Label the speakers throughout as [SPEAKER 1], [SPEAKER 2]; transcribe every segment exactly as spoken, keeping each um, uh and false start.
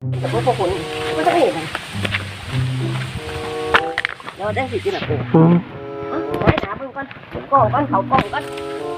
[SPEAKER 1] แต่พวกพวกคนไม่ต้องเห็นเราได้สิที่แบบเออได้ถามมึงก่อนกล้องก่อนเขากล้องก่อน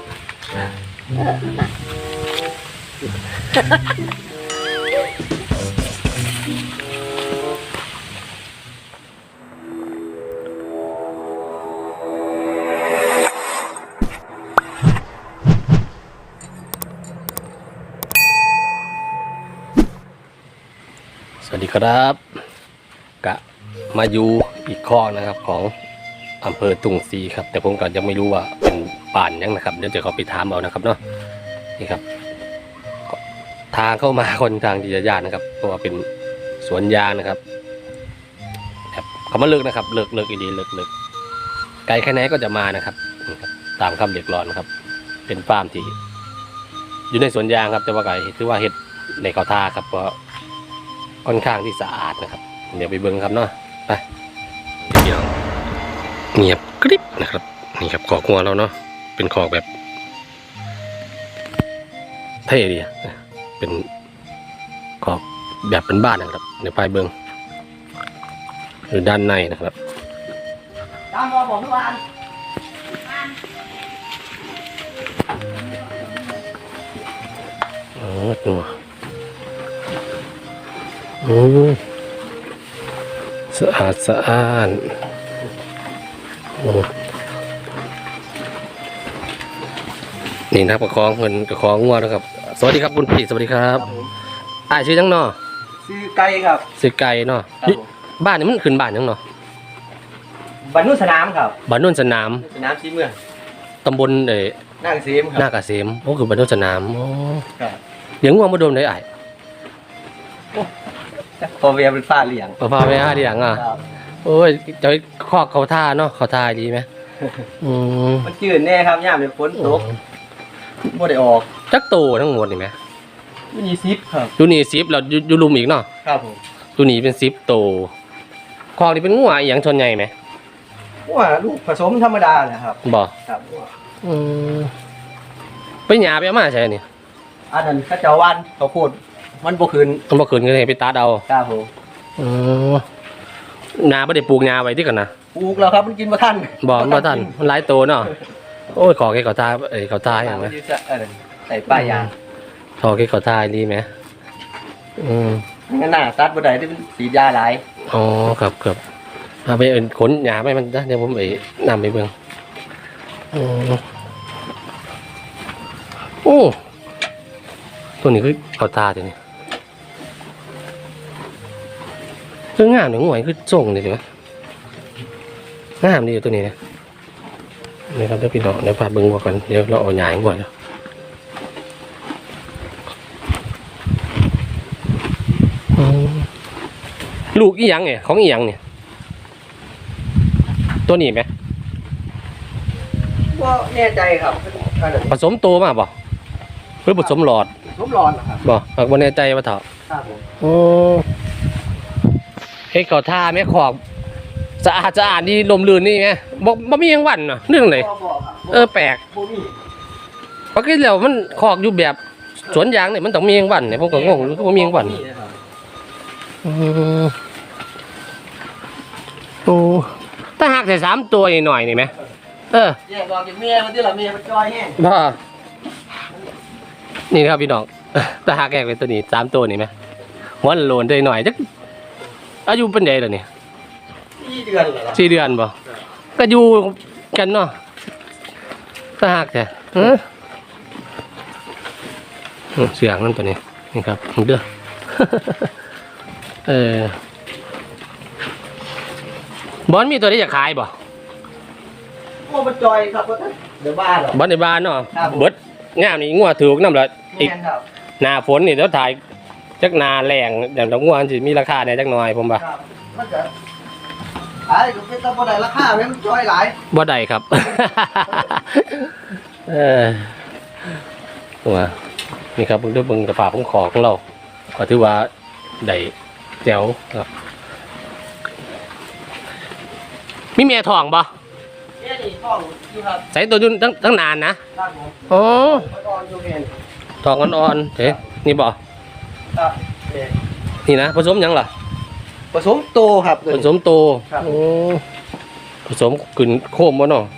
[SPEAKER 2] สวัสดีครับกะมาอยู่อีกข้อนะครับของอำเภอตุงซีครับแต่ผมก็ยังไม่รู้ว่าเป็นป่านยังนะครับเดี๋ยวจะเขาไปถามเอานะครับเนาะนี่ครับทางเข้ามาคนทางที่จะยากนะครับเพราะว่าเป็นสวนยางนะครับแบบเขามาเลิกนะครับเลิกเลิกอีดีเลิกเลิกไกลแค่ไหนก็จะมานะครับตามคำเรียกร้องนะครับเป็นฟาร์มที่อยู่ในสวนยางครับแต่ว่าไก่ถือว่าเห็ดในเขาท่าครับเพราะค่อนข้างที่สะอาดนะครับเดี๋ยวไปเบิ้งครับเนาะไปเดี๋ยวเงียบกริบนะครับนี่ครับขอกงัวเราเนาะเป็นขอกแบบเท่ดีเป็นขอกแบบเป็นบ้านนะครับเดี๋ยวไปเบิ้งหรือด้านในนะครับ
[SPEAKER 1] ตามรอผมทุกวัน
[SPEAKER 2] อ๋อตัวโอ้สะอาดสะอาดโอ้นี่นะประคองเงินประคองงัวนะครับสวัสดีครับคุณพี่สวัสดีครับอ่าชื่อจังเนาะ
[SPEAKER 1] ซื้อไก่ครับ
[SPEAKER 2] ซื้อไก่เนาะบ้านนี่มันขึ้นบ้านยังเนาะ
[SPEAKER 1] บ้านนุ่นสนามครับ
[SPEAKER 2] บ้านนุ่นสนาม
[SPEAKER 1] สนามสีเมือง
[SPEAKER 2] ตำบลเอ๋
[SPEAKER 1] นากเกษมครับ
[SPEAKER 2] นากเกษมโอ้คือบ้านนุ่นสนามโอ้
[SPEAKER 1] ครับ
[SPEAKER 2] เลี้ยงงัวมาโดนได้ไอ้
[SPEAKER 1] พอเวียเป็นฟ้าเลี้ยง
[SPEAKER 2] พอพาไปห้าเลี้ยงอ่ะโอ้ยจะคอกเขาท่าเนาะเขาท่าดีไหมอืม
[SPEAKER 1] มันจืดแน่ครับย่ามเป็นฝนตกไม่ได้ออก
[SPEAKER 2] จักโตทั้งหมดนี่ไหม
[SPEAKER 1] ยูนีซิปครับ
[SPEAKER 2] ยูนีซิปเรายูรุมอีกเนาะ
[SPEAKER 1] ครับผม
[SPEAKER 2] ยูนีเป็นซิปโตคอกนี่เป็นงัวอย่างชนใหญ่ไหม
[SPEAKER 1] ว่าลูกผสมธรรมดาแหละครับ
[SPEAKER 2] บ่
[SPEAKER 1] ครับ
[SPEAKER 2] อืมไปหยาไปเอามาใช่เนี่ย
[SPEAKER 1] อันนั้นข้าเจ้าวันเขาพูดมันบ่คืน
[SPEAKER 2] มันบ่คืนก็เลยไปตัดเอา
[SPEAKER 1] ครับผม
[SPEAKER 2] อือนาบ่ได้ปลูกหญ้าไว้ที่กันนะ
[SPEAKER 1] ปลูกแล้วครับมันกินบ่ทัน
[SPEAKER 2] บ่บ่ทันมันหลายโตเนาะโอ้ยขอแค่เขาทาเอ้ยเขาทาอย่างมั้ย
[SPEAKER 1] ใส่ป้ายยาง
[SPEAKER 2] ขอแค่เขาทาดีมั้ยอืม
[SPEAKER 1] งั้นน่ะตัดบ่ได้ที่มันสียาหลาย
[SPEAKER 2] อ๋อครับครับเอาไปเอิ้นขนหญ้าไปมันเดี๋ยวผมไปนำไปเบิ่งอือโอ้ตัวนี้คือเขาทาตัวนี้คืองามหนึ่งหวยคือส่งเลยใช่ไหมงามดีตัวนี้นะนี่ครับเดี๋ยวพี่น้องเดี๋ยวพาเบิ้งว่ากันเดี๋ยวเราเอาหยางก่อนลูกอีหยังเนี่ยของอีหยังเนี่ยตัวนี้ไหม
[SPEAKER 1] ว่าแน่ใจครับ
[SPEAKER 2] ผสมโตมากป่ะหรือผสมหลอด
[SPEAKER 1] ผสมหลอดครับ
[SPEAKER 2] บ่หากว่าแน่ใจว่าเถอะ
[SPEAKER 1] ครับผม
[SPEAKER 2] โอ้เฮ้ยเขาท่าแม่ขอบสะอาดสะอาดดีลมลื่นนี่ไงบอกบ่มียังหวั่นเนาะเรื่องไหนเออแปลกปกติแล้วมันขอกอยู่แบบสวนยางเนี่ยมันต้องมียังหวั่นเนี่ยผมก็งงรู้ว่ามียังหวั่นโอ้ถ้าหักใส่สามตัวหน่อยนี่ไหมเออ
[SPEAKER 1] แยกบอกจากเมียมันที่ละเมียมันจอยแห้ง
[SPEAKER 2] บ้านี่ครับพี่น้องถ้าหักแยกเป็นตัวนี้สามตัวนี่ไหมหัวโลนได้หน่อยจักอายุเป็นไงล่ะเนี่ย
[SPEAKER 1] สี่เดือนเหรอ
[SPEAKER 2] สี่เดือนบ่ก็อยู่กันเนาะถ้าหักแท้เออเสียงนั่นตัวนี้นี่ครับเด้อเออบอลมีตัวที่จะขายบ่
[SPEAKER 1] โอ้มันจอยครับเดี๋ยวบ้านเหรอบ
[SPEAKER 2] อลในบ้านเนาะเบิดงามนี่งัวถือน้ำละอีกหน้าฝนนี่เดี๋ยวถ่ายจักนาแรงอย่างดอกงัวสิมีราคาเนี่ยจักหน่อยผมบ่
[SPEAKER 1] มันจะขายก็เป็นตะบ่ได้ราคามันจอยหลาย
[SPEAKER 2] บ่ได้ครับเออตัวนี่ครับเบิ่งด้วยเบิ่งกระป๋าของขอของเราก็ถือว่าได้แจ๋วครับมีเมียทองบ่
[SPEAKER 1] เมียนี่ทองอยู่ครับ
[SPEAKER 2] ใส่ตัวยุ่นตั้งตั้งนานนะโอ้ทองอ่อนๆเฮ้นี่บ่นี่นะผสมหยังล่ะ
[SPEAKER 3] ผสมโตครับ
[SPEAKER 2] ผสมโต
[SPEAKER 3] ครับ
[SPEAKER 2] โอ้ผสมกึ่นโคมวะเนาะ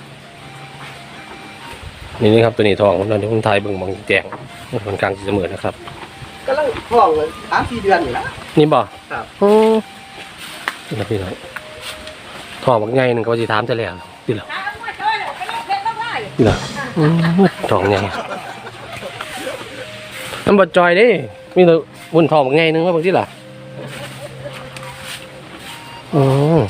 [SPEAKER 2] นี่นี่ครับตัวนี้ทองตอนนี้ผมทายเบิ่งบางแจงค่อนข้างจะเสมอนะครับ
[SPEAKER 3] กำลังท้องเลยสามสี่เดือนอยู่แล้ว
[SPEAKER 2] นี่บ่
[SPEAKER 3] ครับ
[SPEAKER 2] โอ้นี่นะพี่น้องทองบางไงหนึ่งก็จะถามจะแล้วนี่เหรอนี่เหรออืมทองไงน้ำบดจอยเดิมีแต่บุญทองบางไงหนึ่งว่าบางที่ล่ะอืม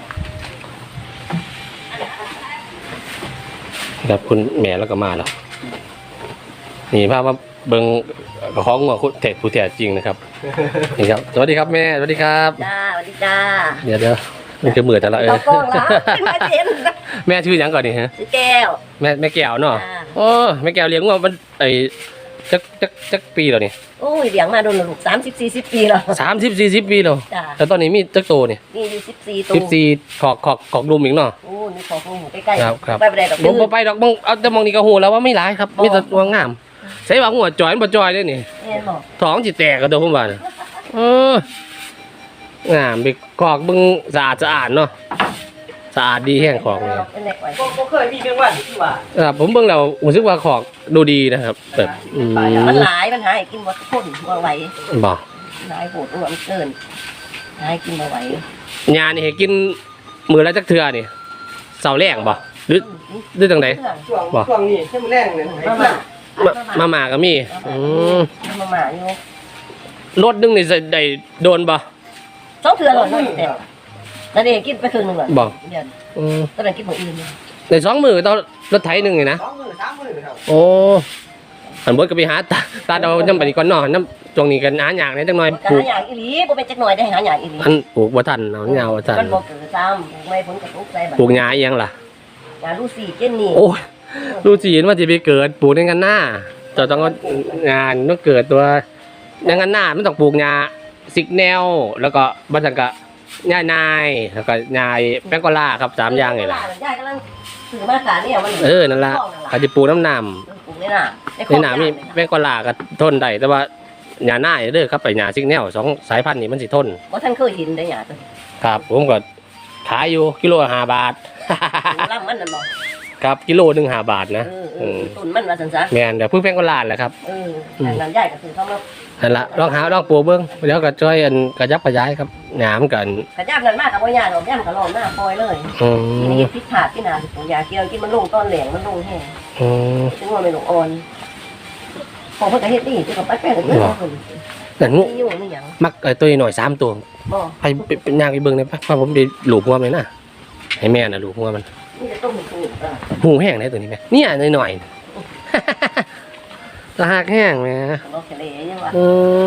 [SPEAKER 2] ครับคุณแม่แล้วก็มาแล้วนี่ภาพว่าเบิงของหัวคุณเทศผู้แท้จริงนะครับนี่ครับสวัสดีครับแม่สวัสดีครับ
[SPEAKER 1] จ้าสวัสดีจ้า
[SPEAKER 2] เดี๋ยวเดี๋ยวมันจะเหมือนแต่ละเอ
[SPEAKER 1] เรา
[SPEAKER 2] อ
[SPEAKER 1] กล้องละมาเจน
[SPEAKER 2] แม่ชื่อหยังก่อนนี่ฮะ
[SPEAKER 1] ซื้อแก้ว
[SPEAKER 2] แม่แม่แก้วเนาะ
[SPEAKER 1] อ่า
[SPEAKER 2] โอ้แม่แก้วเลี้ยงว่ามันไอ้จักจักจักปีแล้วนี่
[SPEAKER 1] โอ้ยเลี้ยงมาโดนลูกสามสิบสี่สิบปีแล้ว
[SPEAKER 2] สามสิบสี่สิบปีแล้ว
[SPEAKER 1] จ้า
[SPEAKER 2] แต่ตอนนี้มีจักโตนี่
[SPEAKER 1] นี่อยู่สิบสี่ตัว
[SPEAKER 2] สิบสี่ขอกขอกขอกลุมอีกเนาะ
[SPEAKER 1] โอ้นี่ของหมูใกล้ๆ
[SPEAKER 2] ครับครับ
[SPEAKER 1] ไปไปได้ดอก
[SPEAKER 2] บ่บ่ไปดอกมองเอาแต่มองนี่ก็โหแล้วว่าไม่ร้ายครับมีแต่ตัวงามใส่ว่าหัวจอยมันบ่จอยได้นี่
[SPEAKER 1] เห็นบอก
[SPEAKER 2] ท้องจิแตกกระโดดผมว่าน่ะเอองามไปกอกเบิ่งสะอาดสะอาดเนาะสะอาดดีแห้งของเลย
[SPEAKER 1] เป็นเด็กไว้
[SPEAKER 3] ก็เคยมีเพียงวันที่ว่า
[SPEAKER 2] ครับผมเบิ่งแล้วรู้สึกว่าของดูดีนะครับแบบอืม
[SPEAKER 1] มันหลายมันหาให้กินหมดทุกคนบ่ไหว
[SPEAKER 2] บ่
[SPEAKER 1] หลายโหดอ้วนเกินหาให้กินบ่ไหวย
[SPEAKER 2] านี่ให้กินมื้อละจักเทื่อนี่เช้าแรงบ่หรือหรือจังได๋
[SPEAKER 3] ช่วงช่วงนี้เข้มแรงเลย
[SPEAKER 1] มามา
[SPEAKER 2] มามาม่าก็มีอืม
[SPEAKER 1] มามาอยู่
[SPEAKER 2] รถนึงนี่สิได้โดนบ่
[SPEAKER 1] สองเทือนหรอน้อยแต่นั่นเองกินไปครึ่งหนึงหรอ
[SPEAKER 2] บ่
[SPEAKER 1] เดือน
[SPEAKER 2] อืม
[SPEAKER 1] ตอนนั้นกินของอื่น
[SPEAKER 2] ได้สองมื้อต่อรถไถหนึงนี่นะ
[SPEAKER 3] สองมือสามมือครับ
[SPEAKER 2] โอ้อันเบิดก็ไปหาตาตาเอานำไปนี่ก่อนเนาะนำช่วงนี้ก็หาหยากนิดจังหน่อย
[SPEAKER 1] ก็
[SPEAKER 2] ปลู
[SPEAKER 1] หาก อย่างอีหลีบ่เป็นจักหน่อยได้หาอย่างอีหลี
[SPEAKER 2] อันปลูกบ่ทันเนาะยาวบ่ทัน
[SPEAKER 1] มันบ่เกิดซ้ำปลูกไม่ผลกระทบใส่บัด
[SPEAKER 2] ปลูกหญ้าอีหยังล่ะ
[SPEAKER 1] งานลูซี่เจนนี่
[SPEAKER 2] โอ้ยดูจีนว่าจะไปเกิดปลูกในกันหน้าจะต้องเอางานต้องเกิดตัวในกันหน้ามันต้องปลูกหญ้าสิกแนวแล้วก็บัสังกะหญ้านายแล้วก็หญ้าแป้งกอล่าครับสามอย่างนี่แหละ
[SPEAKER 1] ยายกำลังถือมาขาเนี่ยมัน
[SPEAKER 2] เออนั่นละเขาจะปลูกน้ำหนาม
[SPEAKER 1] ปลูกในหน้า
[SPEAKER 2] ในหนามมีแป้งกอล่าก็ทนได้แต่ว่าหญ้าหน้าเด้อครับไปหญ้าสิกแนวสองสายพันธุ์นี้มันสิทน
[SPEAKER 1] บ่ท่านเคยเห็นได้หยังตัว
[SPEAKER 2] ครับผมก็ขายอยู่กิโลละห้าบาท
[SPEAKER 1] ลำมันนั่นบ่
[SPEAKER 2] ครับกิโลหนึ่งห้าบาทนะ
[SPEAKER 1] เออเอ
[SPEAKER 2] อื
[SPEAKER 1] อ
[SPEAKER 2] ม
[SPEAKER 1] ต้นมันว่าซั่นซะ
[SPEAKER 2] แม่นเดี๋ยวเพิ่งแป้งกอล่าแหละครับ
[SPEAKER 1] เออนั่นยายก็คือเขามา
[SPEAKER 2] นั่นละลองหาลองปลูกเบิ้งเดี๋ยวก็ช่วยอันกระยับกระย้ายครับหยามกัน
[SPEAKER 1] กระยาบนั่นมากกับบ่ยากดอกย่ำก็ลอมหน้าปล่อยเลย
[SPEAKER 2] อื
[SPEAKER 1] ที
[SPEAKER 2] ม
[SPEAKER 1] นี้พิษขาดที่นาปลูกยาเกี่ยวกินมันลงต้นแหลงมันลงแห้ง
[SPEAKER 2] อืม
[SPEAKER 1] ถึงว่าไม่ลงอ่อนของเพิ่นก็เฮ็ดดีที่กับปัดแป้งก็เยอะเพิ่น
[SPEAKER 2] นั่นงู
[SPEAKER 1] นี่อยู่นี่หยัง
[SPEAKER 2] มักไอ้ตัวหน่อยสามตัว
[SPEAKER 1] บ่
[SPEAKER 2] ไปไปเป็นย่างไปเบิ้งเลยปะเพราะผมไปหลูบหัวมันเลยนะให้แม่น่ะหลูบหัวมัน
[SPEAKER 1] นี่จะต้มให้กินเออ
[SPEAKER 2] หูแห้งได้ตัวนี้ไหมเนี่ยหน่อยหน่อยๆ ตะหักแห้งไหม
[SPEAKER 1] เราทะเลยังว่า
[SPEAKER 2] เออ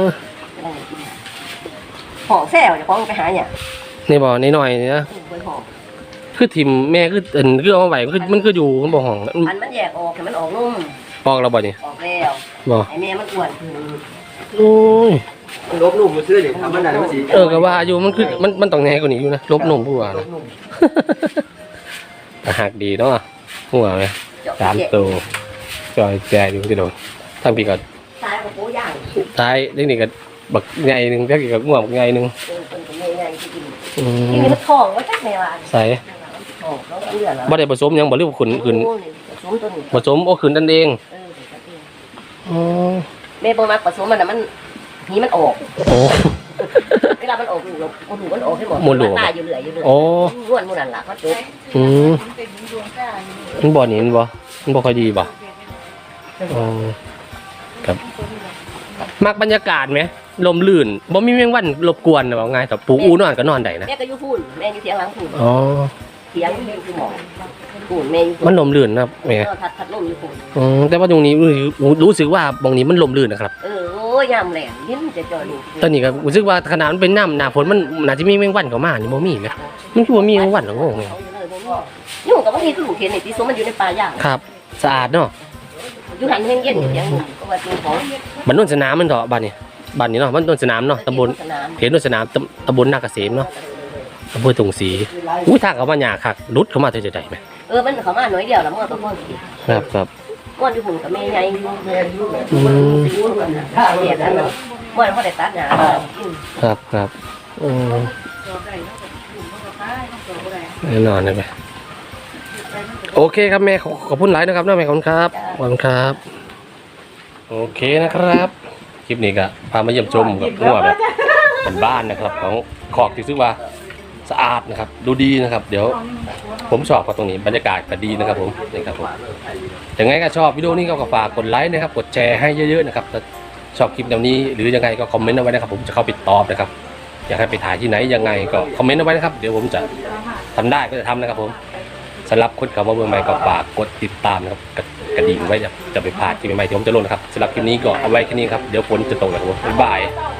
[SPEAKER 1] ของแซ่บจะของไปหาหยัง
[SPEAKER 2] นี่บอกนี่หน่อยๆนะ
[SPEAKER 1] เบิ่งของ
[SPEAKER 2] คือถิ่มแม่คือเอินคือเอามาไว้คือมันคืออยู่มันบอกห้อง
[SPEAKER 1] อันมันแยกออกให้มันออกนุ่ม
[SPEAKER 2] ปอกเราบ่นี่
[SPEAKER 1] ออกแล้ว
[SPEAKER 2] บอก
[SPEAKER 1] ไอ้แม่มันอ้วนขึ้น
[SPEAKER 2] โอ้ย
[SPEAKER 3] ลบหนุ่มมาซื้อเลยทำมันได้มันสิ
[SPEAKER 2] เออก็ว่าอยู่มันคือมันมันต้องแน่กว่านี้อยู่นะลบหนุ่มผู้ว่า
[SPEAKER 1] ล
[SPEAKER 2] นะ
[SPEAKER 1] บนุ่ม
[SPEAKER 2] ตะหักดีเนาะหัวไหม
[SPEAKER 1] เจาะ
[SPEAKER 2] สาม
[SPEAKER 1] แยก
[SPEAKER 2] ตัวจอยแจดูจะโดนทำปีก็
[SPEAKER 1] ซ้ายของปูย่าง
[SPEAKER 2] ท้ายเล็กนี่ก็บักไงหนึ่งแค่กี่กับง่วงบักไงหนึ่ง
[SPEAKER 1] เออเป็นเป็นไงที่กิน
[SPEAKER 2] อื
[SPEAKER 1] นี่
[SPEAKER 2] ม
[SPEAKER 1] มันทองว่าจักแม่ว่า
[SPEAKER 2] ใส่
[SPEAKER 1] ทองแล้วก็เลือดแล้ว
[SPEAKER 2] บ่ได้ผสมหยังบ่หรือว่าขุนขุน
[SPEAKER 1] โอ้นี่ผสมตัวนี้
[SPEAKER 2] ผสมโอ้ขุนนั่นเอง
[SPEAKER 1] เออเดี๋ยวจะเอง
[SPEAKER 2] อ๋อ
[SPEAKER 1] แม่บ่มักผสมมันน่ะมันหีมันออก
[SPEAKER 2] โอ้
[SPEAKER 1] เวลามันออกลูกเราเอาลูกมันออกให้หมด
[SPEAKER 2] หมดลูก
[SPEAKER 1] นตายอยู่เรื่อยอยู่เรื่อย
[SPEAKER 2] โอ้
[SPEAKER 1] ม้วนหมู่นั่นล่ะก็จบ
[SPEAKER 2] อืมมันบ่นี่มันบ่มันบ่ค่อยดีบ่อ๋อครับมักบรรยากาศไหมลมลื่นบ่มีแมงวันรบกวนว่าง่ายแต่ปลูกอูนอนก็นอนได้นะ
[SPEAKER 1] แม่ก็อยู่พูนแม่อยู่เถียงหลังพูน
[SPEAKER 2] อ๋อ
[SPEAKER 1] เถียงอยู่คือหมอพูนแม่อยู่พู
[SPEAKER 2] มันลมลื่นนะครับแม่
[SPEAKER 1] เออทัดทัดลมอยู่พูน
[SPEAKER 2] อืมแต่ว่าตรงนี้รู้รู้สึกว่าตรงนี้มันลมลื่นนะครับ
[SPEAKER 1] เออโอ้ยยามแหลงยิ้มจะจ่อยลูก
[SPEAKER 2] ตอนนี้ก็รู้สึกว่าขนาดมันเป็นน้ำหน้าฝนมันน่าจะมีแมงวันเข้ามานี่บ่มีไหมมันคือว่ามีแมงวันเหรองงไง
[SPEAKER 1] เอาอยู่เลยบ่มียุ่งกับว่านี่คือลูกเห็นในที่สมมันอยู่ในป่าย่าง
[SPEAKER 2] ครับ สะอาดเนาะ
[SPEAKER 1] อยู่หันเฮงเย็นอยู่เถียงหนุ่มก็ว่าจริงของ
[SPEAKER 2] บ้านโนนสนามมันเถอะบ้านนี้บ้านนี้เนาะบ้านโนนสนามเนาะตำบล
[SPEAKER 1] สนาม
[SPEAKER 2] เขตโนนสนามตำตำบลนาเกษมเนาะอำเภอตุงศรีอุ้ยทางเขามาหยาคักรุดเข้ามาเฉยๆได้ไหม
[SPEAKER 1] เออมันเขามาหน่อยเดียวแล้วมันก็พ่อสิ
[SPEAKER 2] ครับครับ
[SPEAKER 1] ม้วนอยู่หุ่นกับแม่ใหญ่อยู่
[SPEAKER 3] แม่อยู่แบบ
[SPEAKER 2] อืม
[SPEAKER 1] เดียดอันนั้นม้วนเขาได้ตัดหนา
[SPEAKER 2] ครับครับอืมแน่นอนเลยไหมโอเคครับแม่ขอขอบคุณหลายนะครับน้าแม่ขอบคุณครับขอบคุณครับโอเคนะครับคลิปนี้ก็พามาเยี่ยมชมกับงัวแบบบ้านๆนะครับของคอกที่ซื้อว่าสะอาดนะครับดูดีนะครับ เดี๋ยวผมชอบกับตรงนี้บรรยากาศก็ดีนะครับผมนี่ครับผมยังไงก็ชอบวิดีโอนี้ก็ฝากกดไลค์นะครับกดแชร์ให้เยอะๆนะครับถ้าชอบคลิปแนวนี้หรือยังไงก็คอมเมนต์เอาไว้นะครับผมจะเข้าไปตอบนะครับอยากให้ไปถ่ายที่ไหนยังไงก็คอมเมนต์เอาไว้นะครับเดี๋ยวผมจะทำได้ก็จะทำนะครับผมสำหรับคนขับมาเมืองใหม่ก็ฝากกดติดตามนะครับกระดิ่งไว้จะจะไปพลาดคลิปใหม่ๆที่ผมจะลงนะครับสำหรับคลิปนี้ก็เอาไว้แค่นี้ครับเดี๋ยวฝนจะตกนะครับผมบ๊ายบาย